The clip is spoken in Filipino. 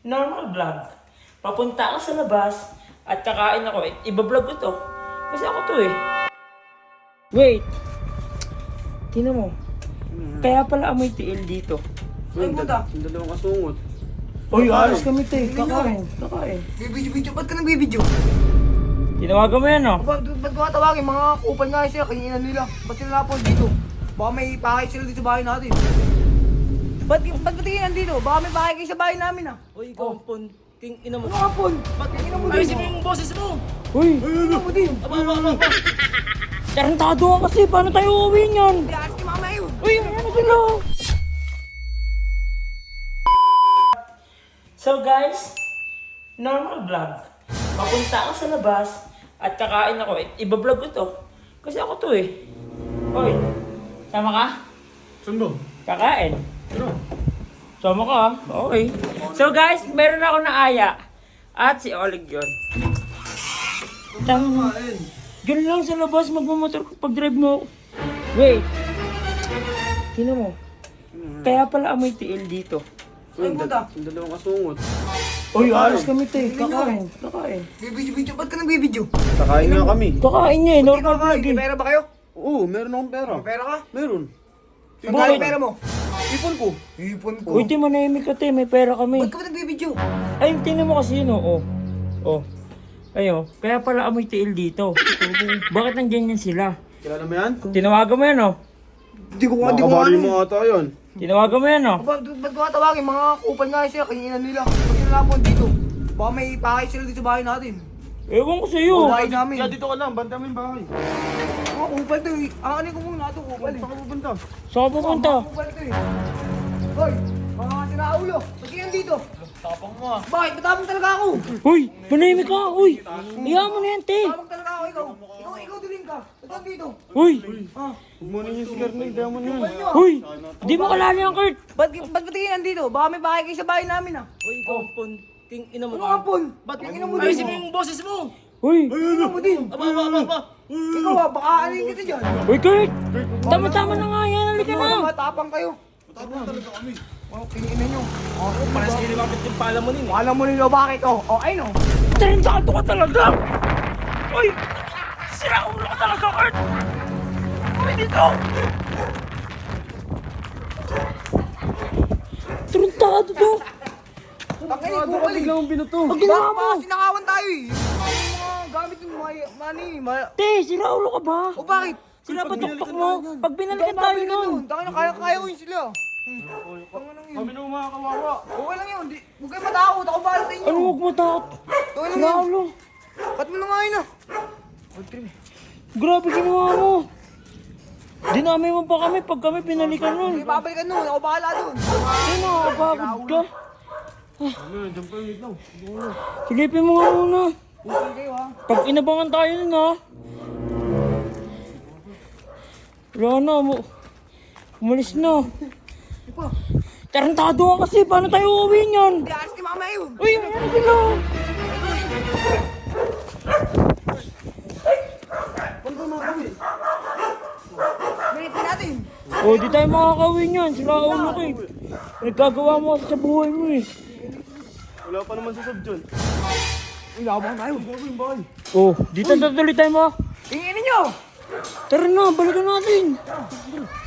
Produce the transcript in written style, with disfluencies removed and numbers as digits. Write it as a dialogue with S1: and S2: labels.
S1: normal vlog. Papunta ako sa labas at kakain ako. Iba-vlog ko to. Kasi ako to eh. Wait. Tingnan mo. Kaya pala amoy tiil dito.
S2: Ay, puta.
S3: Yung dalawang kasungot.
S1: Uy, alas kami te. Kakain.
S2: Bibidyo, ba't ka nagbibidyo?
S1: Tinawagan mo yan oh.
S2: Ba't ko tawagin? Mga kupal nga sila, kanina nila. Ba't sila napon dito? Baka may pakay sila dito sa bahay natin. Ba't tingin nandito? Baka may pakay kayo sa bahay namin ah.
S3: Uy, ikaw ang punting ina mo.
S2: Ano nga pon? Ba't tingin mo din?
S3: Ayusin mo yung boses mo!
S1: Uy,
S2: Tingin mo din.
S3: Aba.
S1: tarantado ka kasi. Paano tayo uuwi niyan?
S2: Hindi, alas ni mama yun.
S1: Uy, ano sila? So guys, normal vlog. Papunta ako sa labas at kakain ako. Iba-vlog ko to. Kasi ako to eh. Hoy, sama ka?
S3: Saan ba?
S1: Kakain.
S3: Ano?
S1: Sama ka ha? Okay. So guys, meron ako na aya. At si Oleg yun. Tama. Diyan lang sa labas, magmamotor ko pag drive mo ako. Wait. Tingnan mo. Kaya pala amoy tiil dito.
S2: Ay, puta.
S3: Yung dalawang kasungot.
S1: Uy, alas kami te. Kakain.
S2: Bibidyo, ba't ka nagbibidyo?
S3: Kakain nga kami.
S1: Kakain niya eh.
S2: Ikaw
S1: Normal
S2: ka,
S1: vlog
S2: may
S1: eh.
S2: pera ba kayo?
S3: Oo, meron akong pera.
S2: May pera ka?
S3: Meron.
S2: Saan galing pera mo?
S3: Ipon ko.
S2: Ipon ko.
S1: Uy, di manahimik ka te. May pera kami.
S2: Ba't ka ba nagbibidyo?
S1: Ay, tingnan mo kasi yun oh. Oh. Ayo, kaya pala amoy tiil dito. Bakit nandyan yan sila?
S3: Kilala mo yan?
S1: Tinawagan mo yan oh.
S2: Hindi ko
S3: Makabali mo ata yun.
S1: Tinawagan mo yan oh.
S2: Ba't ko tawagin? Mga kupal nga sila, kanina nila. Ba't sila napon dito? Baka may pakay sila dito sa bahay natin.
S1: Ewan ko sa'yo.
S2: Bahay namin.
S3: Kaya dito ka lang, banta mo yung bahay.
S2: Mga kupal to eh. Ano ko muna ito, kupal eh.
S3: Saan ka pupunta?
S1: Saan ka pupunta?
S2: Mga kupal to eh. Hoy, mga sinaulo. Ba't kayo dito?
S3: Tapang mo ah.
S2: Bakit? Matapang talaga ako.
S1: Uy, manahimik ka. Uy, iya mo na yan te.
S2: Matapang talaga ako, ikaw. Ikaw dilim ka. Ba't dito?
S1: Uy,
S2: Ah,
S3: Huwag mo na yung sigar na, hindi mo na yun.
S2: kupal nyo.
S1: uy, di mo kalala yan Kurt.
S2: Ba't tingin nandito? Baka may pakay kayo sa bahay namin ah.
S3: Uy, ikaw ang punting ina mo.
S2: Ano nga pon?
S3: Ba't
S2: Tingin mo din.
S3: ayusin mo yung boses mo!
S1: Uy,
S2: Tingin mo din.
S3: Aba.
S2: Ikaw ah, baka alin kita dyan.
S1: uy Kurt. Tama-tama na nga yan. Halika
S2: Mga
S1: na.
S2: matapang kayo.
S3: Tapang talaga kami.
S2: Oh, kinginan nyo.
S3: Para sa kinilapit yung pala mo nin eh.
S2: Alam mo nila bakit oh. Oh, ayun oh.
S1: Tarantado ka talaga. Uy, sira ulo ka talaga Kurt. Uy, dito. Tarantado to.
S2: Bakit kupal eh.
S3: Biglang binato.
S1: Pag ginawa mo.
S2: Baka sinakawan tayo eh. Yung mga gamit yung money.
S1: Te, sira ulo ka ba?
S2: O bakit?
S1: Sila ba tuktok mo? Pag binalikan tayo nun.
S2: Tangin na kaya ko yun sila. Tangin lang yun.
S3: Kami na mga kawawa.
S2: Okay lang yun. Huwag kayo matakot. Ako bahala sa inyo.
S1: Ano huwag mo takot?
S2: Okay lang
S1: Sira
S2: yun.
S1: ulo.
S2: Cut mo na nga yun ah.
S1: Grabe ginawa mo. Dinami mo pa kami pag kami pinalikan nun.
S2: Hindi babalikan nun. Ako bahala dun.
S1: Ay, nakakapagod ka.
S3: Ano yun, dyan pa yung itaw.
S1: Silipin mo nga muna.
S2: Okay kayo ha.
S1: Pag inabangan tayo nun ha. Wala na, umalis na.
S2: Pa.
S1: Tarantado ka kasi, paano tayo uuwi niyan?
S2: Hindi alas ni mama yun.
S1: Uy, ano sila?
S2: Huwag mo kami. Minit natin.
S1: O, di tayo makakauwi niyan. Sila ulo ko eh. Nagkagawa mo kasi sa buhay mo eh.
S3: Wala pa naman sa sub dyan.
S2: Uy, labang tayo.
S1: O, dito na tuloy tayo mo.
S2: Tinginin nyo.
S1: Tara na, balikan natin.